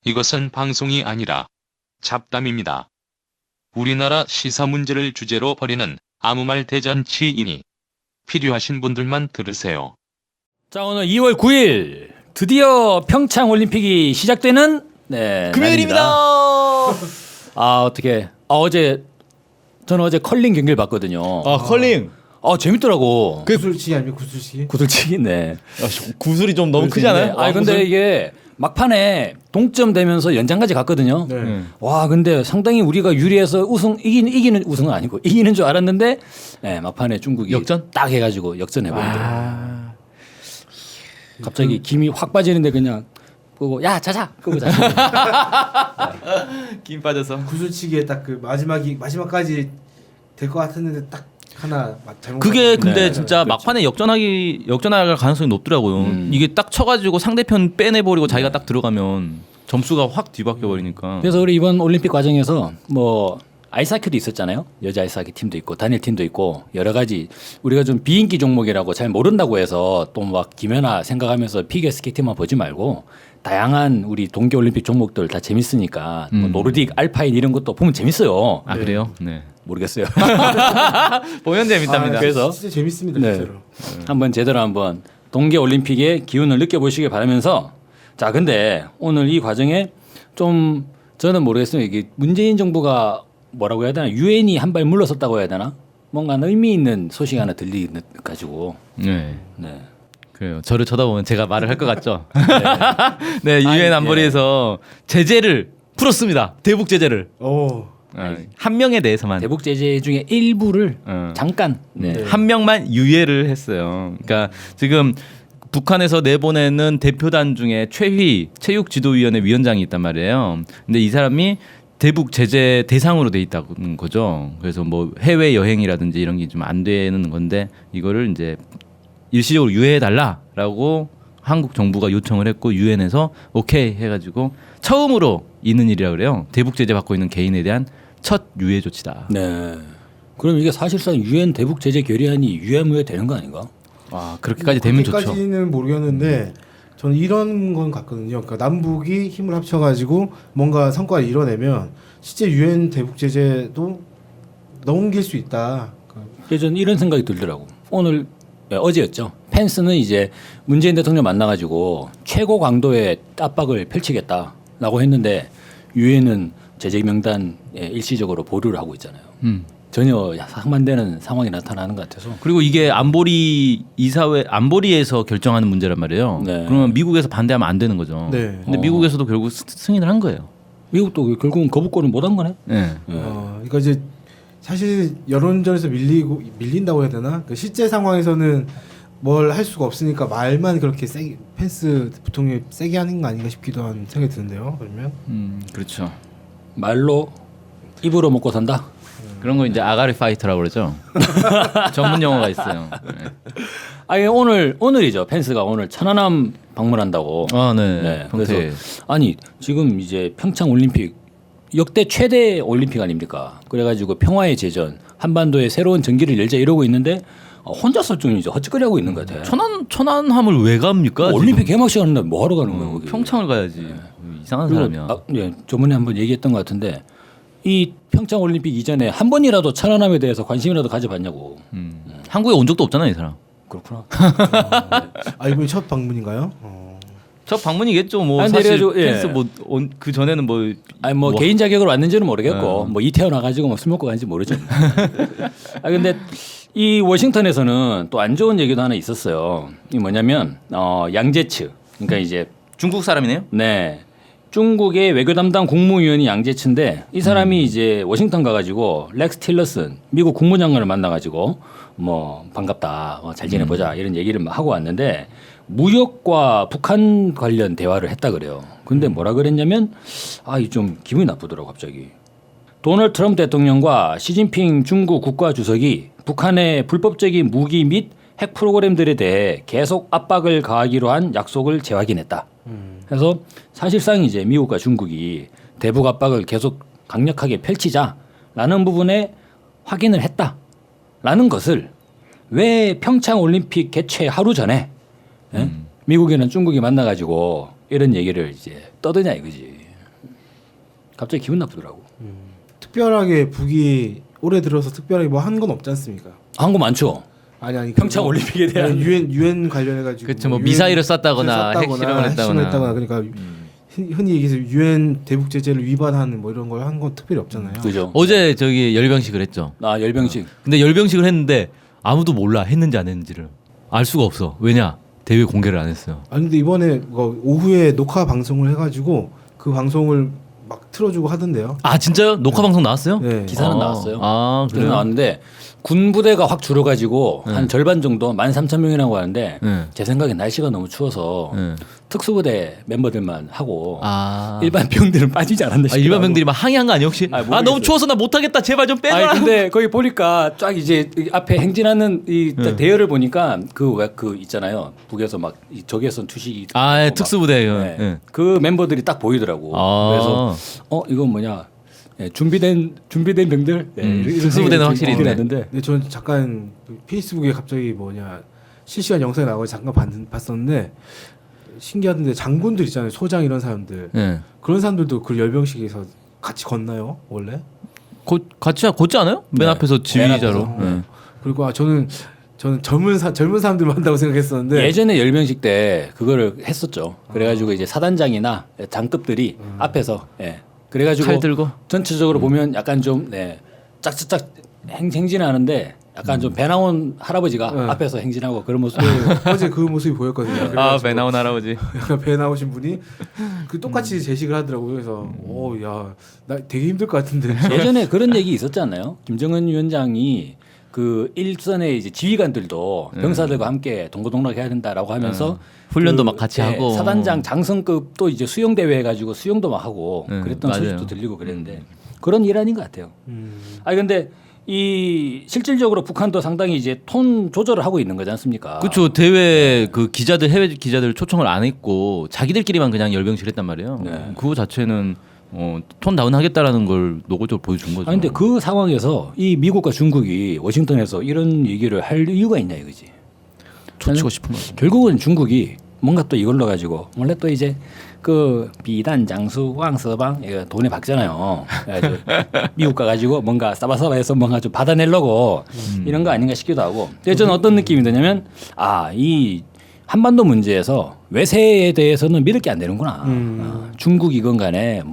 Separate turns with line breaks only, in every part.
이것은 방송이 아니라 잡담입니다. 우리나라 시사 문제를 주제로 벌이는 아무 말 대잔치이니 필요하신 분들만 들으세요.
자, 오늘 2월 9일 드디어 평창 올림픽이 시작되는
금요일입니다.
어떻게 저는 어제 컬링 경기를 봤거든요.
아 컬링.
재밌더라고.
구슬치기 아니면 구슬치기?
구슬치기네.
구슬이 좀 너무 크지 않아요?
근데 이게 막판에 동점되면서 연장까지 갔거든요.
네.
와, 근데 상당히 우리가 유리해서 이기는 우승은 아니고 이기는 줄 알았는데 막판에 중국이
역전?
딱 해가지고 역전해버리더라고요. 갑자기 김이 확 빠지는데 그냥 끄고 야 자자 끄고 자자.
김 빠져서.
구슬치기에 딱 그 마지막까지 될 것 같았는데 딱 하나 잘못.
그게 근데
네,
진짜 막판에 역전할 가능성이 높더라고요. 이게 딱 쳐가지고 상대편 빼내버리고 자기가 딱 들어가면 점수가 확 뒤바뀌어 버리니까.
그래서 우리 이번 올림픽 과정에서 뭐 아이스하키도 있었잖아요. 여자 아이스하키 팀도 있고 단일 팀도 있고 여러 가지 우리가 좀 비인기 종목이라고 잘 모른다고 해서 또 막 김연아 생각하면서 피겨스케이팅만 보지 말고 다양한 우리 동계 올림픽 종목들 다 재밌으니까 뭐 노르딕, 알파인 이런 것도 보면 재밌어요.
아 그래요? 네.
모르겠어요.
보면 재밌답니다.
그래서
진짜 재밌습니다,
네.
진짜로.
한번 제대로 한번 동계 올림픽의 기운을 느껴보시길 바라면서 자 근데 오늘 이 과정에 좀 저는 모르겠어요. 이게 문재인 정부가 뭐라고 해야 되나 유엔이 한 발 물러섰다고 해야 되나 뭔가 의미 있는 소식 하나 들리가지고
네.
네.
그래요. 저를 쳐다보면 제가 말을 할 것 같죠. 네, 유엔 안보리에서 제재를 풀었습니다. 대북 제재를.
오.
한 명에 대해서만.
대북 제재 중에 일부를 잠깐
한 명만 유예를 했어요. 그러니까 지금 북한에서 내보내는 대표단 중에 최휘 체육지도위원회 위원장이 있단 말이에요. 근데 이 사람이 대북 제재 대상으로 돼 있다는 거죠. 그래서 뭐 해외 여행이라든지 이런 게 좀 안 되는 건데 이거를 이제 일시적으로 유예해 달라라고 한국 정부가 요청을 했고 유엔에서 오케이 해가지고 처음으로 있는 일이라 그래요. 대북 제재 받고 있는 개인에 대한 첫 유예 조치다.
네. 그럼 이게 사실상 유엔 대북 제재 결의안이 유야무야 되는 거 아닌가?
와 그렇게까지 되면 좋죠.
그렇게까지는 모르겠는데 저는 이런 건 같거든요. 그러니까 남북이 힘을 합쳐가지고 뭔가 성과를 이뤄내면 실제 유엔 대북 제재도 넘길 수 있다.
저는 이런 생각이 들더라고. 오늘 어제였죠. 펜스는 이제 문재인 대통령 만나가지고 최고 강도의 압박을 펼치겠다라고 했는데 유엔은 제재 명단에 일시적으로 보류를 하고 있잖아요. 전혀 상반되는 상황이 나타나는 것 같아서.
그리고 이게 안보리 이사회 안보리에서 결정하는 문제란 말이에요.
네.
그러면 미국에서 반대하면 안 되는 거죠.
네.
근데 미국에서도 결국 승인을 한 거예요.
미국도 결국은 거부권을 못 한 거네.
네.
그러니까 이제 사실 여론전에서 밀린다고 해야 되나? 그 실제 상황에서는 뭘 할 수가 없으니까 말만 그렇게 세게 펜스 부통령이 세게 하는 거 아닌가 싶기도 한 생각이 드는데요. 그러면
그렇죠.
말로 입으로 먹고 산다.
그런 거 이제 아가리 파이터라고 그러죠. 전문 용어가 있어요. 네.
아니 오늘이죠. 펜스가 오늘 천안함 방문한다고.
아, 네.
그래서
평소에.
아니 지금 이제 평창 올림픽 역대 최대 올림픽 아닙니까? 그래가지고 평화의 제전 한반도에 새로운 전기를 열자 이러고 있는데 혼자서 좀 이제 헛짓거리하고 있는 것 같아.
천안함을 왜 갑니까?
올림픽 개막식 하는데 뭐 하러 가는 거야? 거기?
평창을 가야지. 이상한
그리고
사람이야.
저번에 한번 얘기했던 것 같은데 이 평창 올림픽 이전에 한 번이라도 천안함에 대해서 관심이라도 가져봤냐고.
한국에 온 적도 없잖아 이 사람.
그렇구나.
이번이 첫 방문인가요?
첫 방문이겠죠. 뭐
아니,
사실
그래가지고, 예.
펜스 그 전에는 뭐
아니 뭐 개인 자격으로 왔는지는 모르겠고 뭐 이태원 와가지고 뭐 술 먹고 가는지 모르죠. 근데 이 워싱턴에서는 또 안 좋은 얘기도 하나 있었어요. 이 뭐냐면 양제츠 그러니까 이제
중국 사람이네요.
네 중국의 외교 담당 국무위원이 양제츠인데 이 사람이 이제 워싱턴 가가지고 렉스 틸러슨 미국 국무장관을 만나가지고 뭐 반갑다 잘 지내보자 이런 얘기를 막 하고 왔는데 무역과 북한 관련 대화를 했다 그래요. 근데 뭐라 그랬냐면 이 좀 기분이 나쁘더라고 갑자기. 도널드 트럼프 대통령과 시진핑 중국 국가주석이 북한의 불법적인 무기 및 핵 프로그램들에 대해 계속 압박을 가하기로 한 약속을 재확인했다. 그래서 사실상 이제 미국과 중국이 대북 압박을 계속 강력하게 펼치자라는 부분에 확인을 했다라는 것을 왜 평창 올림픽 개최 하루 전에 미국이나 중국이 만나가지고 이런 얘기를 이제 떠드냐 이거지. 갑자기 기분 나쁘더라고.
특별하게 북이 올해 들어서 특별하게 뭐 한 건 없지 않습니까?
한 거 많죠.
아니
평창 올림픽에 대한
유엔 관련해 가지고
그렇죠. 뭐 미사일을 쐈다거나 핵실험을 했다거나.
그러니까 흔히 얘기해서 유엔 대북 제재를 위반하는 뭐 이런 걸 한 건 특별히 없잖아요.
그죠.
어제 저기 열병식을 했죠.
아 열병식.
근데 열병식을 했는데 아무도 몰라 했는지 안 했는지를 알 수가 없어. 왜냐? 대회 공개를 안 했어요.
아니 근데 이번에 뭐 오후에 녹화 방송을 해가지고 그 방송을 막 틀어주고 하던데요.
아 진짜요? 녹화 방송 나왔어요?
네.
기사는 나왔어요.
아
기사는
그래요?
나왔는데 군 부대가 확 줄어가지고
네.
한 절반 정도 13,000명이라고 하는데
네.
제 생각엔 날씨가 너무 추워서
네.
특수부대 멤버들만 하고
아
일반 병들은 빠지지 않았나 싶어요.
일반 병들이 막 항의한 거 아니에요 혹시?
아,
아,
모르겠어요.
너무 추워서 나 못하겠다 제발 좀 빼줘라.
아니 근데 거기 보니까 쫙 이제 이 앞에 행진하는 이
네.
대열을 보니까 그 있잖아요. 북에서 막 이 적외선 투시
아 예,
막
특수부대
네.
예.
그 멤버들이 딱 보이더라고.
아.
그래서 이건 뭐냐? 예, 준비된 병들. 예, 이런
특수부대는
생각이
확실히
들긴
있네.
했는데
근데 저는 잠깐 페이스북에 갑자기 뭐냐 실시간 영상이 나와서 잠깐 봤었는데 신기하던데 장군들 있잖아요. 소장 이런 사람들
예.
그런 사람들도 그 열병식에서 같이 걷나요 원래?
같이 걷지 않아요? 맨
네.
앞에서 지휘자로.
앞에서.
예.
그리고 저는 젊은 사람들만 한다고 생각했었는데
예전에 열병식 때 그거를 했었죠. 그래가지고 이제 사단장이나 장급들이 앞에서 그래가지고
칼 들고.
전체적으로 보면 약간 좀 짝짝짝 행진하는데 약간 좀 배 나온 할아버지가
네.
앞에서 행진하고 그런 모습을
어제 그 모습이 보였거든요.
아
그래가지고
배 나온 할아버지.
약간 배 나오신 분이 그 똑같이 제식을 하더라고요. 그래서 나 되게 힘들 것 같은데.
예전에 그런 얘기 있었지 않나요? 김정은 위원장이 그 일선의 이제 지휘관들도 병사들과 함께 동고동락해야 된다라고 하면서
훈련도 막 같이 하고.
사단장 장성급 또 이제 수영 대회 해가지고 수영도 막 하고 그랬던
맞아요.
소식도 들리고 그랬는데 그런 일 아닌 것 같아요. 아니 근데 이 실질적으로 북한도 상당히 이제 톤 조절을 하고 있는 거지 않습니까?
그렇죠. 대회 그 기자들 해외 기자들 초청을 안 했고 자기들끼리만 그냥 열병식 했단 말이에요.
네.
그거 자체는 톤 다운 하겠다라는 걸 노골적으로 보여준 거죠.
아니 근데 그 상황에서 이 미국과 중국이 워싱턴에서 이런 얘기를 할 이유가 있냐 이거지.
초치고 싶은 거죠.
결국은 중국이 뭔가 또 이걸로 가지고 원래 또 이제 그 비단 장수 왕서방 이거 돈에 박잖아요. 그래가지고 미국 가가지고 뭔가 싸바싸바해서 뭔가 좀 받아내려고 이런 거 아닌가 싶기도 하고. 근데 저는 어떤 느낌이 드냐면 이 한반도 문제에서 외세에 대해서는 믿을 게 안 되는구나. 중국이건 간에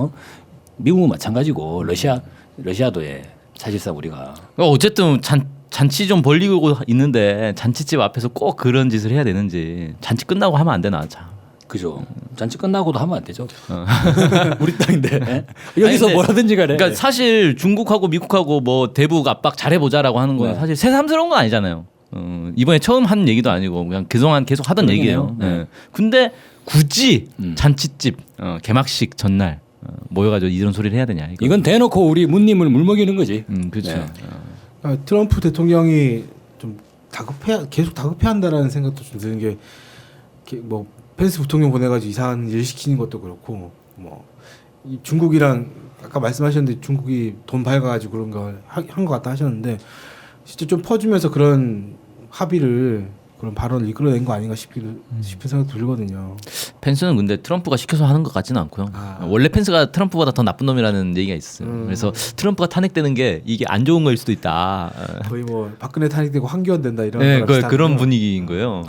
미국은 마찬가지고 러시아도 사실상 우리가
어쨌든 잔치 좀 벌리고 있는데 잔치집 앞에서 꼭 그런 짓을 해야 되는지 잔치 끝나고 하면 안 되나 참.
그죠. 잔치 끝나고도 하면 안 되죠. 우리 땅인데 여기서
근데
뭐라든지 간에.
그러니까 사실 중국하고 미국하고 뭐 대북 압박 잘해보자라고 하는 건
네.
사실 새삼스러운 건 아니잖아요. 이번에 처음 한 얘기도 아니고 그냥 그동안 계속 하던
그러긴
얘기예요.
해요. 네.
근데 굳이 잔치집 개막식 전날 모여가지고 이런 소리를 해야 되냐 이거.
이건 대놓고 우리 문님을 물먹이는 거지.
그렇죠.
네.
트럼프 대통령이 좀 계속 다급해한다라는 생각도 좀 드는 게 뭐 펜스 부통령 보내가지고 이상한 일 시키는 것도 그렇고 이 중국이랑 아까 말씀하셨는데 중국이 돈 밝아가지고 그런 걸 한 것 같다 하셨는데 진짜 좀 퍼주면서 그런 합의를 그런 발언을 이끌어낸 거 아닌가 싶은 생각도 들거든요.
펜스는 근데 트럼프가 시켜서 하는 것 같지는 않고요. 원래 펜스가 트럼프보다 더 나쁜 놈이라는 얘기가 있어요. 그래서 트럼프가 탄핵되는 게 이게 안 좋은 거일 수도 있다.
거의 박근혜 탄핵되고 황교안 된다 이런
네,
거랑 비슷한
그런
거.
분위기인 거예요.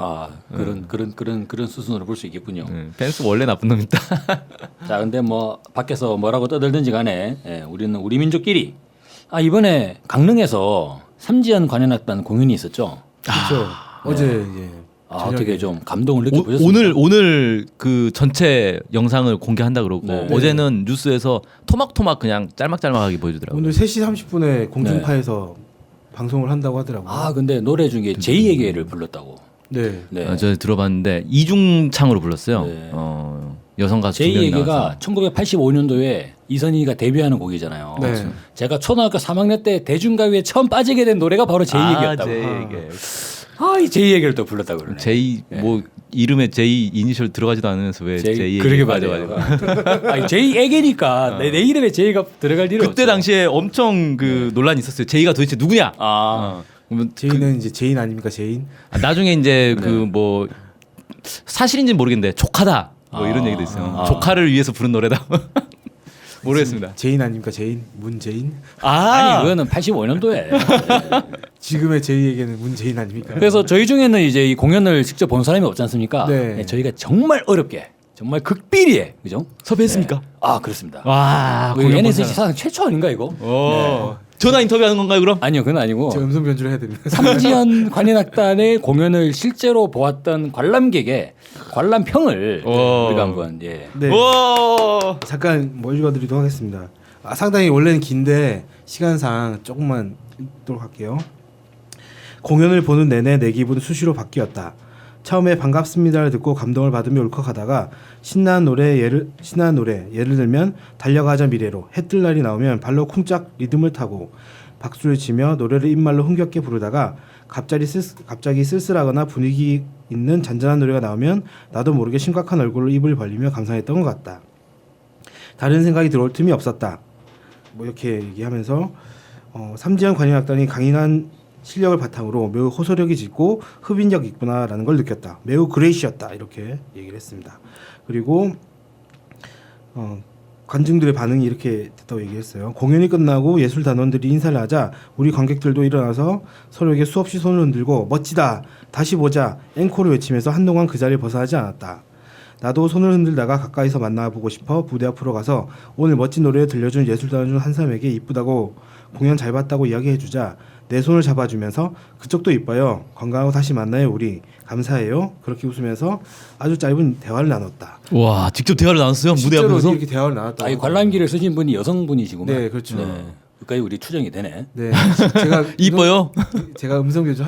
그런 수순으로 볼 수 있겠군요.
펜스 원래 나쁜 놈이다.
자, 근데 밖에서 뭐라고 떠들든지 간에 우리는 우리 민족끼리 이번에 강릉에서 삼지연 관현악단 공연이 있었죠.
그렇죠. 어제 이제
어떻게 좀 감동을 느껴보셨습니까?
오늘 그 전체 영상을 공개한다 그러고
네.
어제는 뉴스에서 토막토막 그냥 짤막짤막하게 보여주더라고요.
오늘 3시 30분에 공중파에서 방송을 한다고 하더라고요.
근데 노래 중에 제이에게를 불렀다고.
네.
네.
저 들어봤는데 이중창으로 불렀어요.
네.
여성 가수 두 명이
제이에게가
나와서.
1985년도에 이선희가 데뷔하는 곡이잖아요.
네.
제가 초등학교 3학년 때 대중가요에 처음 빠지게 된 노래가 바로 제이에게였다고.
제이에게.
이 제이에게를 또 불렀다고 그러네.
제이 뭐 이름에 제이 이니셜 들어가지도 않으면서 왜 제이
그러게
맞아가지고.
제이에게니까 내 이름에 제이가 들어갈 일은
그때
없죠.
당시에 엄청 그 논란이 있었어요. 제이가 도대체 누구냐? 그러면
제인 이제 제인 아닙니까 제인?
나중에 이제 그 뭐 사실인지는 모르겠는데 조카다 뭐 이런 얘기도 있어요. 조카를 위해서 부른 노래다. 모르겠습니다.
제인 아닙니까? 제인 문재인
아니 그거는 85년도에.
지금의 제이에게는 문재인 아닙니까?
그래서 저희 중에는 이제 이 공연을 직접 본 사람이 없지 않습니까?
네.
네, 저희가 정말 어렵게 정말 극비리에 그죠?
섭외했습니까?
네. 아 그렇습니다.
와,
그 NSC 사상 최초 아닌가 이거?
오. 전화 인터뷰하는 건가요, 그럼?
아니요, 그건 아니고
저 음성 변조를 해야 됩니다.
삼지연 관현악단의 공연을 실제로 보았던 관람객의 관람평을
오.
우리가 한번 예.
네.
오.
잠깐 뭐 읽어드리도록 하겠습니다. 상당히 원래는 긴데 시간상 조금만 읽도록 할게요. 공연을 보는 내내 내 기분은 수시로 바뀌었다. 처음에 반갑습니다를 듣고 감동을 받으며 울컥하다가 신나는 노래 예를 들면 달려가자 미래로 해뜰 날이 나오면 발로 쿵짝 리듬을 타고 박수를 치며 노래를 입말로 흥겹게 부르다가 갑자기 쓸쓸하거나 분위기 있는 잔잔한 노래가 나오면 나도 모르게 심각한 얼굴로 입을 벌리며 감상했던 것 같다. 다른 생각이 들어올 틈이 없었다. 뭐 이렇게 얘기하면서 삼지연 관현악단이 강인한 실력을 바탕으로 매우 호소력이 짙고 흡인력 있구나라는 걸 느꼈다. 매우 그레이시였다. 이렇게 얘기를 했습니다. 그리고 관중들의 반응이 이렇게 됐다고 얘기했어요. 공연이 끝나고 예술단원들이 인사를 하자 우리 관객들도 일어나서 서로에게 수없이 손을 흔들고 멋지다, 다시 보자, 앵콜을 외치면서 한동안 그 자리를 벗어나지 않았다. 나도 손을 흔들다가 가까이서 만나보고 싶어 무대 앞으로 가서 오늘 멋진 노래를 들려준 예술단원 중 한 사람에게 이쁘다고 공연 잘 봤다고 이야기해주자 내 손을 잡아주면서 그쪽도 이뻐요. 건강하고 다시 만나요 우리. 감사해요. 그렇게 웃으면서 아주 짧은 대화를 나눴다.
와, 직접 대화를 나눴어요? 무대
실제로
앞에서?
이렇게 대화를 나눴다.
아, 이 관람기를 쓰신 분이 여성분이시구만.
네, 그렇죠.
여기까지 우리 추정이 되네.
네, 제가
이뻐요?
제가 음성 변조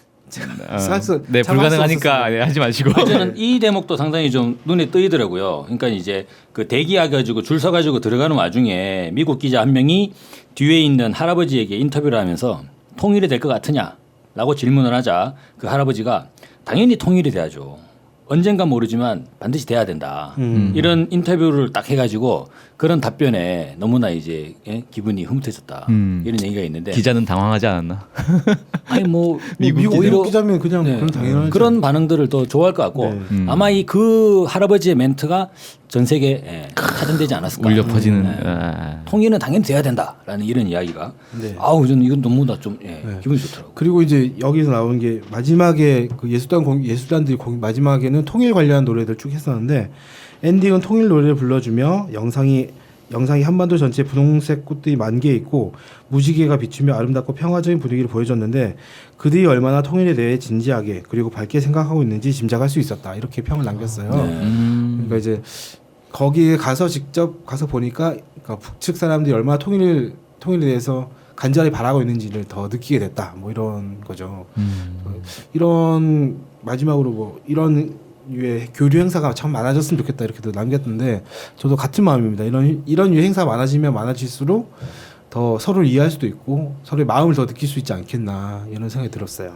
네, 불가능하니까 네, 하지 마시고.
저는 이 대목도 상당히 좀 눈에 뜨이더라고요. 그러니까 이제 그 대기해가지고 줄 서가지고 들어가는 와중에 미국 기자 한 명이 뒤에 있는 할아버지에게 인터뷰를 하면서 통일이 될 것 같으냐라고 질문을 하자 그 할아버지가 당연히 통일이 돼야죠. 언젠가 모르지만 반드시 돼야 된다. 이런 인터뷰를 딱 해가지고 그런 답변에 너무나 이제 기분이 흐뭇해졌다. 이런 얘기가 있는데
기자는 당황하지 않았나?
아니 뭐
미국
오히려
기자면 그냥
네.
그런 당연하죠.
그런 반응들을 더 좋아할 것 같고
네.
아마 이 그 할아버지의 멘트가 전 세계에 타전되지 않았을까.
울려 퍼지는.
네. 통일은 당연히 돼야 된다라는 이런 이야기가.
네.
아우 저는 이건 너무나 좀 기분이 좋더라고.
그리고 이제 여기서 나오는 게 마지막에 그 예술단들이 마지막에는 통일 관련한 노래들 쭉 했었는데 엔딩은 통일 노래를 불러주며 영상이 한반도 전체에 분홍색 꽃들이 만개 있고 무지개가 비추며 아름답고 평화적인 분위기를 보여줬는데 그들이 얼마나 통일에 대해 진지하게 그리고 밝게 생각하고 있는지 짐작할 수 있었다. 이렇게 평을 남겼어요. 그러니까 이제 거기에 가서 직접 가서 보니까 그러니까 북측 사람들이 얼마나 통일에 대해서 간절히 바라고 있는지를 더 느끼게 됐다. 뭐 이런 거죠. 이런 마지막으로 뭐 이런 유의 교류 행사가 참 많아졌으면 좋겠다 이렇게도 남겼는데 저도 같은 마음입니다. 이런 유의 행사 많아지면 많아질수록 더 서로를 이해할 수도 있고 서로의 마음을 더 느낄 수 있지 않겠나 이런 생각이 들었어요.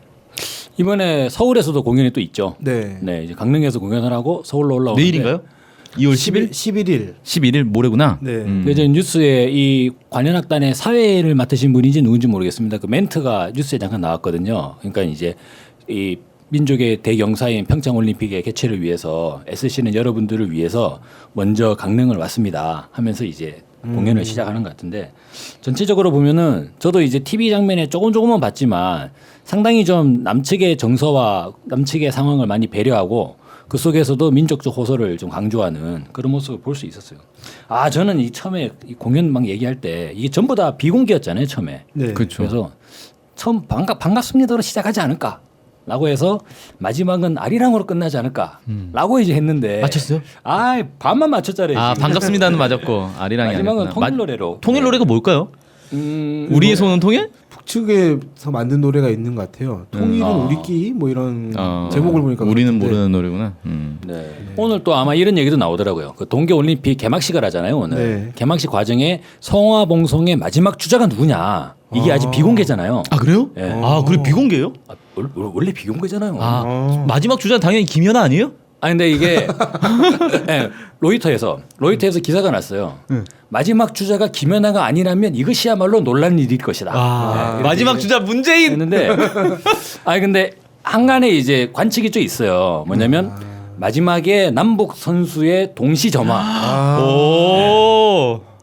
이번에 서울에서도 공연이 또 있죠.
네.
네, 이제 강릉에서 공연을 하고 서울로 올라오는데
내일인가요? 2월 10일?
11일.
11일 모레구나.
네.
그래서 뉴스에 이 관현악단의 사회를 맡으신 분인지 누군지 모르겠습니다. 그 멘트가 뉴스에 잠깐 나왔거든요. 그러니까 이제 이 민족의 대경사인 평창올림픽의 개최를 위해서 SC는 여러분들을 위해서 먼저 강릉을 왔습니다 하면서 이제 공연을 시작하는 것 같은데 전체적으로 보면은 저도 이제 TV 장면에 조금은 봤지만 상당히 좀 남측의 정서와 남측의 상황을 많이 배려하고 그 속에서도 민족적 호소를 좀 강조하는 그런 모습을 볼 수 있었어요. 아 저는 이 처음에 이 공연 막 얘기할 때 이게 전부 다 비공개였잖아요 처음에.
네.
그렇죠.
그래서 처음 반갑습니다로 시작하지 않을까. 라고 해서 마지막은 아리랑으로 끝나지 않을까라고 이제 했는데
맞췄어요?
아 반만 맞췄잖아요.
아,
지금.
반갑습니다는 맞았고 아리랑이
마지막은
아니었구나.
통일 노래로.
통일 노래가 뭘까요? 우리의 손은 통일?
북측에서 만든 노래가 있는 것 같아요. 통일은 우리끼리 뭐 이런 제목을 보니까
우리는
그렇던데.
모르는 노래구나.
네. 오늘 또 아마 이런 얘기도 나오더라고요. 그 동계올림픽 개막식을 하잖아요 오늘.
네.
개막식 과정에 성화봉송의 마지막 주자가 누구냐 이게 아직 비공개잖아요.
아 그래요?
네.
아 그래 비공개예요?
아, 원래 비공개잖아요.
아 마지막 주자는 당연히 김연아 아니에요?
아니 근데 이게 네, 로이터에서 기사가 났어요. 마지막 주자가 김연아가 아니라면 이것이야말로 놀란 일일 것이다. 네,
마지막 주자 문재인.
했는데 아니 근데 한간에 이제 관측이 좀 있어요. 뭐냐면 마지막에 남북 선수의 동시 점화.
오.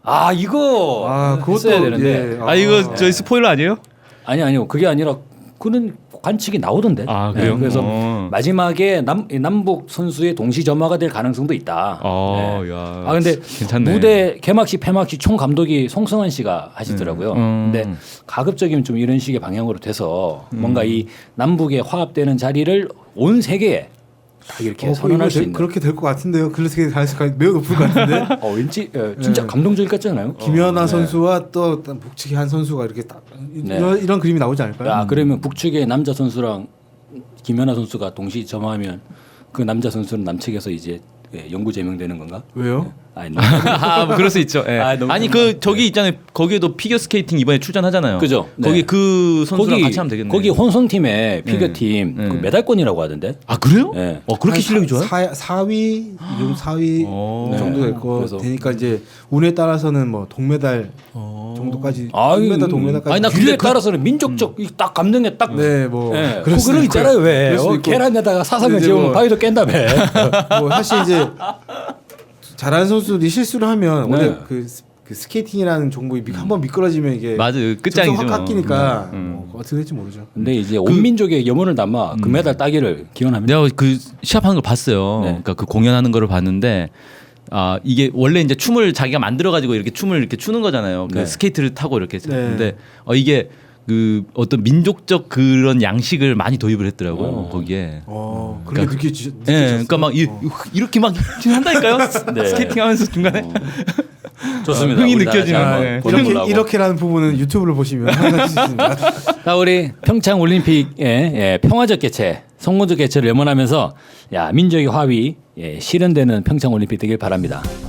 아 이거
그것도
했어야 되는데
예.
아 이거 저희 스포일러 아니에요?
아니요 그게 아니라 그는 관측이 나오던데.
아, 그래요?
그래서
어.
마지막에 남북 선수의 동시 점화가 될 가능성도 있다. 네.
야.
아 근데
괜찮네.
무대 개막식 폐막식 총 감독이 송승환 씨가 하시더라고요. 근데 가급적이면 좀 이런 식의 방향으로 돼서 뭔가 이 남북의 화합되는 자리를 온 세계에 딱 이렇게 선언할 수 있는.
그렇게 될 것 같은데요. 그렇게 가능성이 매우 높을 것 같은데.
왠지 진짜 감동적일 것 같지 않아요?
김연아
네.
선수와 또 북측의 한 선수가 이렇게 딱
네.
이런 그림이 나오지 않을까요?
야, 그러면 북측의 남자 선수랑 김연아 선수가 동시 점화하면 그 남자 선수는 남측에서 이제 영구 제명되는 건가?
왜요?
아니,
뭐 그럴 수 있죠. 예.
너무
아니 그 저기 있잖아요. 거기에도 피겨 스케이팅 이번에 출전하잖아요.
그죠?
거기
네.
그 선수랑 같이 하면 되겠네.
거기 혼성팀의 피겨팀
네.
그 메달권이라고 하던데.
아 그래요?
네.
그렇게 실력이 좋아요?
4위, 좀 4위
오.
정도 될 거
그래서.
되니까 이제 운에 따라서는 뭐 동메달 정도까지, 동메달, 동메달까지.
아니 나
근데
그에 따라서는 민족적 딱 감정에 딱.
네, 뭐
네.
그럴 수도
그런 거
있고요.
있잖아요 왜?
그럴 수도 있고.
계란에다가 사상을
이제
재우면
뭐-
바위도 깬다며.
뭐 사실 이제 잘하는 선수들이 실수를 하면 원래
네.
그 스케이팅이라는 종목이 한번 미끄러지면 이게
맞아요.
점수가
끝장이죠.
확 깎이니까
음.
뭐 어떻게 될지 모르죠.
근데 이제 온 민족의 염원을 담아 금메달 따기를 기원합니다.
내가 그 시합하는 걸 봤어요.
네.
그러니까 그 공연하는 거를 봤는데 이게 원래 이제 춤을 자기가 만들어 가지고 이렇게 춤을 이렇게 추는 거잖아요. 그
네.
스케이트를 타고 이렇게.
네.
근데 이게 그 어떤 민족적 그런 양식을 많이 도입을 했더라고요. 거기에.
그렇게
그러니까-
느끼셨어요?
예, 그러니까 막 이렇게 막 한다니까요.
네.
스케이팅하면서 중간에
좋습니다.
흥이
우리 다
느껴지는
잘
거예요.
보는 걸로 하고.
이렇게라는 부분은 유튜브를 보시면 확인할 수 있습니다.
자, 우리 평창 올림픽의 평화적 개최, 성공적 개최를 염원하면서 민족의 화합이 실현되는 평창 올림픽 되길 바랍니다.